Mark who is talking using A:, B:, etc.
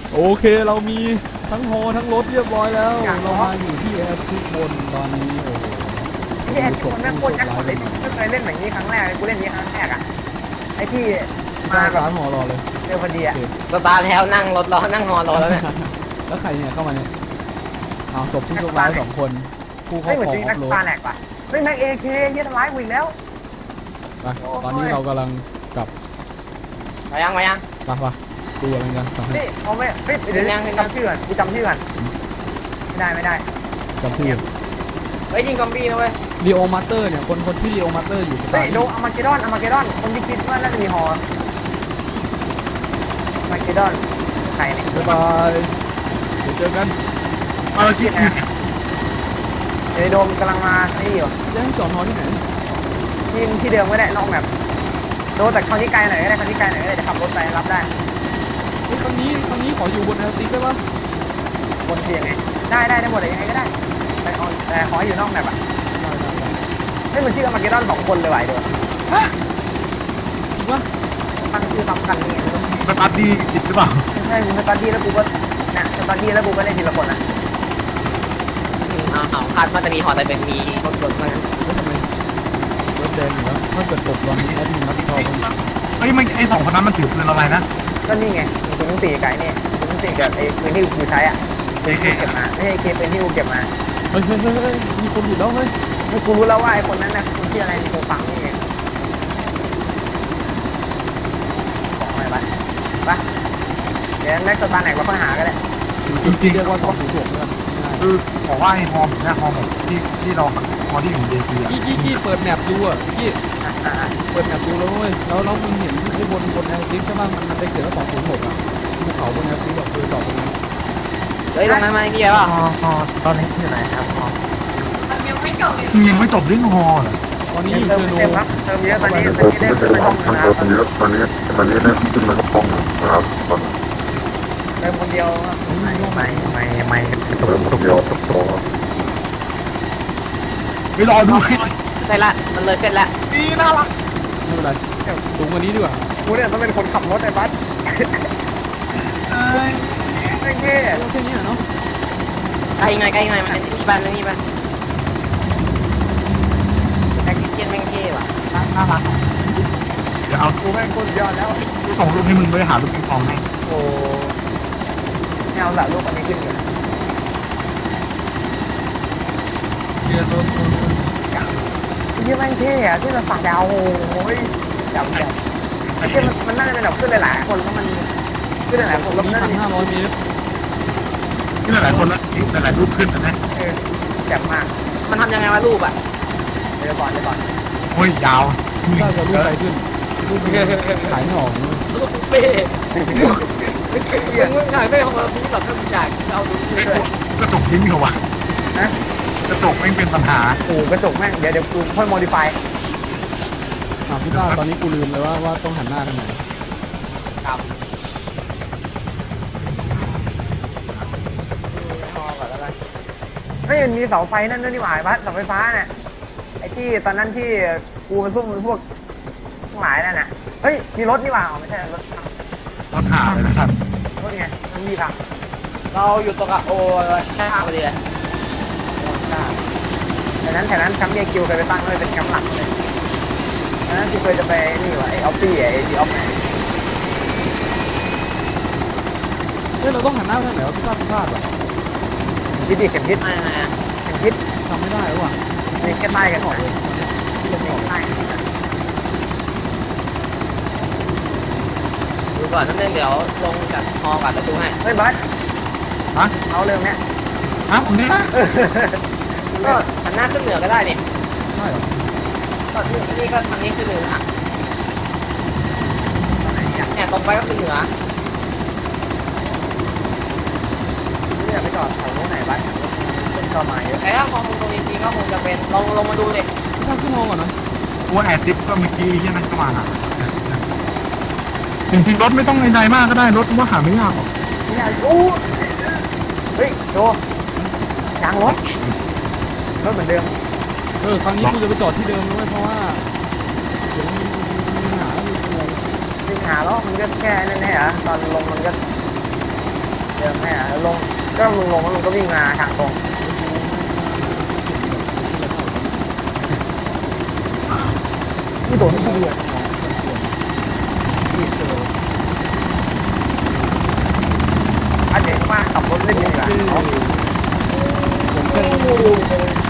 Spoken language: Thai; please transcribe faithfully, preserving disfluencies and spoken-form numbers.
A: โอเคเรามีทั้งฮอทั้งรถเรียบร้อยแล้วเรามาอยู่ที่แอร์ทุกคนตอนนี้โอ้โห
B: ที่แอร์คนแม่งโคตรแจ็คพอตเลยไม่เคยเล่นแบบนี้ครั้งแรกกูเล่นนี้ครั้งแรกอ่ะไอ้ที่
A: มา
B: มาแบบ
A: ร้านฮอรอเลย
B: เจอพอดีอ่ะ
C: สตาร์ทแล้วนั่งรถรอนั่งฮอรอแล้วเนี่ย
A: แล้วใครเนี่ยเข้ามาเนี่ยอ้าวศพผู้โชคร้ายสองคนผู้ครอ
B: ไม่
A: บ
B: เหมือน
A: คร
B: จ
A: อง
B: ริง
A: ออ
B: นัก
A: ฟโร
B: ตา
A: ด
B: แหลกว่ะเฮ้ยแม็กเอเคเฮียทำร้ายกูอีกแล้ว
A: ไปตอนนี้เรากำลังกลับ
C: มายังมายัง
A: ไปปะดูอะไรกันกลับให้
B: นี่เอาไม่เฮ้ยเดี๋ยวจำชื่อก่อนกูจำชื่อก่อนไม่ได้ไม่ได้
A: จำชื่อ
C: เฮ้ยยิงซอมบี้นะเว้ย
A: ลีโอมาสเตอร์เนี่ยคนคนที่ลีโอมาสเตอร์อยู่ส
B: เฮ้
A: ตาย ร์
B: โดอามาเกดอนอามาเกดอนคนที่คิดว่าน่าจะมีฮออามาเกดอนใครเนี่ย
A: บ๊ายบายเดี๋ยวเจอกัน
D: เออคิด
B: ไอโดมกำลังมานี่อยู่
A: จะให้จอดฮอที่ไหน
B: ที่ที่เดิมก็ได้นอกแบบโดแต่คราวนี้ไกลหน่อยก็ได้คราวนี้ไกลหน่อยก็ได้จะขับรถไปรับได้
A: เฮ้ยครั้งนี้ครั้งนี้ขออยู่บนแอร์ติกได้ปะ
B: บนเตียงไงได้ได้ได้หมดเลยยังไงก็ได้แต่ขอแต่ขอให้อยู่นอกแบบอ่ะ
A: ได้ได้ได้
B: เฮ้ยมันชื่ออามาเกดอนสองคนเลยว่ะไอ้โดม
A: จริงปะ
B: ตั้งชื่อซ้ำกันนี่
D: สตาร์ทดีผิดหรือเปล่า
B: ใช่กูสตาร์ดี้แล้วกูก็น่ะสตาร์ดี้แล้วกูก็เล่นทีละคนนะ
C: เอาเอาคาดว่าจะมีฮอแต่เป็นมีรถรถมางั้น
A: แล้วทำไมรถแดงอยู่แล้วถ้าเกิดตกตอนนี้แอดมินรับผิดชอบมัน
D: เฮ้ยมันไอสองคนนั้นมันถือปืนอะไรนะ
B: ก็นี่ไงมึงตีไก่เนี่ยมึงตีกับไอ้ปืนที่กูใช้อ่ะ
D: เอเค
B: เก็บมาไม่ใช่เคเป็นที่กูเก็บมา
A: เฮ้ยเฮ้ยเฮ้ยเฮ้ยมีคนอยู่แล้วเฮ้ย
B: กูรู้แล้วว่าไอ้คนนั้นนะคนที่อะไรกูฟังนี่ไงบอกอะไรไปไปเดี๋ยวแม็กซ์ตาร์แหนกเราค่อยหาก็ได้
D: จริง
A: เรียกว่าสองศูนย์หกเลย
D: ๆคือบอกว่าไอฮอมเนี่ยฮอมที่ที่เราฮอที่อยู่เดซีอ่ะ
A: กี้กี้กี้เปิดแมปดูอ่ะกี้
B: อ่ะอ่ะอ่ะ
A: เปิดแมปดูแล้วเว้ยแล้วแล้วมึงเห็นไอ้บนบนแอร์ติกใช่ป่ะมันมันไปเขียนว่าสองศูนย์หกอ่ะภูเขาบนแอร์ติกแบบคือจอดตรงนั้น
C: เฮ้ยตรงนั้นมาพี่ใช่ป่ะ
B: ฮอฮอตอนนี้อยู่ไหนครับฮอ
D: ยังไม่จบเรื่องฮอเหรอ
A: ตอนนี้
B: เติ
A: อยู่
B: ม
A: เชอร์โน
B: เต็มครับเติมเยอะตอนนี้ตอนนี้ได้ขึ้นไปห้องนึงนะครับ
E: ตอนนี้ตอนนี้ตอนนี้ได้ขึ้นมาห้องนะครับตอน
B: เติมคนเดียวไม่ไม่ไม่ไม่ตก
E: เริ่ม
B: ตก
E: เดียว
B: ตก
E: สอง
D: ไปรอดูให้
C: เสร็จละมันเลยเสร็จละ
D: ดีน่ารัก
A: ไม่เป็นไรสูงกว่านี้ดีกว่า
B: กูเนี่ยต้องเป็นคนขับรถไอ้บัส
D: เอ้ย
B: ไม่เงี้ย
A: แค่นี้เนาะ
C: ใกล้หน่อยใกล้หน่อยมันเป็นที่บ้านไม่มีบ้านแท็กซี่เกียนแม่งเท่ว่ะ
D: น่ารักเดี๋ยวเอา
B: กูแม่งคนยอดแล้ว
D: ส่งรูปให้มึงด้วยหารูปปิงปองให้
B: โอ้ไม่เอาละรูปอันนี้ขึ้นอยู่
A: เรียนรถ
B: ที่แม่งเท่อะที่มันฝั่งดาวโอ้ยจำจำไอ้ที่มันมันน่าจะเป็นแบบขึ้นหลายๆคนแล้วมันขึ้นหลายๆคน
A: ตร
B: แล้ว
A: งนี้
B: นั่น
A: พันห้าร้อยเมตร
D: ที่หลายๆคนแล้วหลายๆรูปขึ้นนะ
B: เออแจ่มมาก
C: มันทำยังไงวะรูปอ่ะ
B: เดี๋ยวก่อนเดี๋ยวก่อน
D: โอ้ยยาว
A: ถ้าจะรูปอะไรขึ้นรูปนี้ขายไม่ออกเลย
C: รูปเป้มึงถ่ายไม่ของเราพี่แบบถ้ามึงอยากเอาดูด้วย
D: กระจกทิ้งเหรอวะ
B: นะ
D: กระจกไม่เป็นปัญหา
B: โอ้กระจกแม่งเดี๋ยวเดี๋ยวกูค่อยโมดิฟาย
A: อ่ะพี่ต้าตอนนี้กูลืมเลยว่าว่าต้องหันหน้าทางไหน
C: ครับ
B: ไม่มันมีเสาไฟนั่นด้วยนี่หว่าบัสเสาไฟฟ้าน่ะไอ้ที่ตอนนั้นที่กูมันซุ่มพวกทั้งหลายนั่นน่ะเฮ้ยมีรถนี่หว่าไม่ใช่รถ
D: รถหาเลยนะครับ
B: รถไงมันมีทาง
C: เราอยู่ตรงกับโอ้ใช่พอดีเลย
B: แต่นั้นแถวนั้นแคมป์เยคิวเคยไปตั้งเลยเป็นแคมป์หลักเลยอันนั้นที่เคยจะไปนี่วะไอออฟฟี่ไอดีออฟไง
A: เฮ้ยเราต้องหันหน้าทางไหนวะพี่ต้าพี่พลาดว่ะ
B: คิดดิเข็มทิศ
C: ไม่ไม่
B: เข็มทิศ
A: จำไม่ได้แล้วว่ะ
B: มีแค่ใต้กันหมด
A: ที่เราบอก
B: ใต้
C: ดูก่อนนั่นเองเดี๋ยวลงจากฮอก่อนแล้วดูให้
B: เฮ้ยบัส
D: ฮะ
B: เอาเร็วเนี้ย
D: ฮะผมนี่นะ
C: ก็หันหน้าขึ้นเหนือก็ได้นี่
A: ใช่เหรอ
C: ก็นี่ก็ทางนี้ขึ้นเหนือเนี่ยตรงไปก็ขึ้นเหนือ
B: ไม่อยากไปจอดแถวโน้นไหนบัสเป็นจอดมาเยอะ
C: แต่ถ้าฮอมึงตรงนี้จริงก็คงจะเป็นลองลงมาดูดิ
A: พี่ต้าขึ้นฮอก่อนนะ
D: ตัวแอดทิปก็เมื่อกี้ที่นั่นก็มาจริงๆรถไม่ต้องในๆมากก็ได้รถว่าหาไม่ยากหรอก
B: ไม่อยากอู้เฮ้ยโจยางรถรถเหมือนเดิม
A: เออครั้งนี้กูจะไปจอดที่เดิมนะเพราะว่าเดี๋ยวมีมีปัญหามีอะไร
B: วิ่งหาแล้วมันก็แค่นั่นแหละเหรอตอนลงมันก็ก็มึงลงแล้วมึงก็วิ่งมาทางตรงนี่โดนที่ดีอ่ะอาเจ๋งมากขับรถเล่นดีกว่า
A: ผมเป็น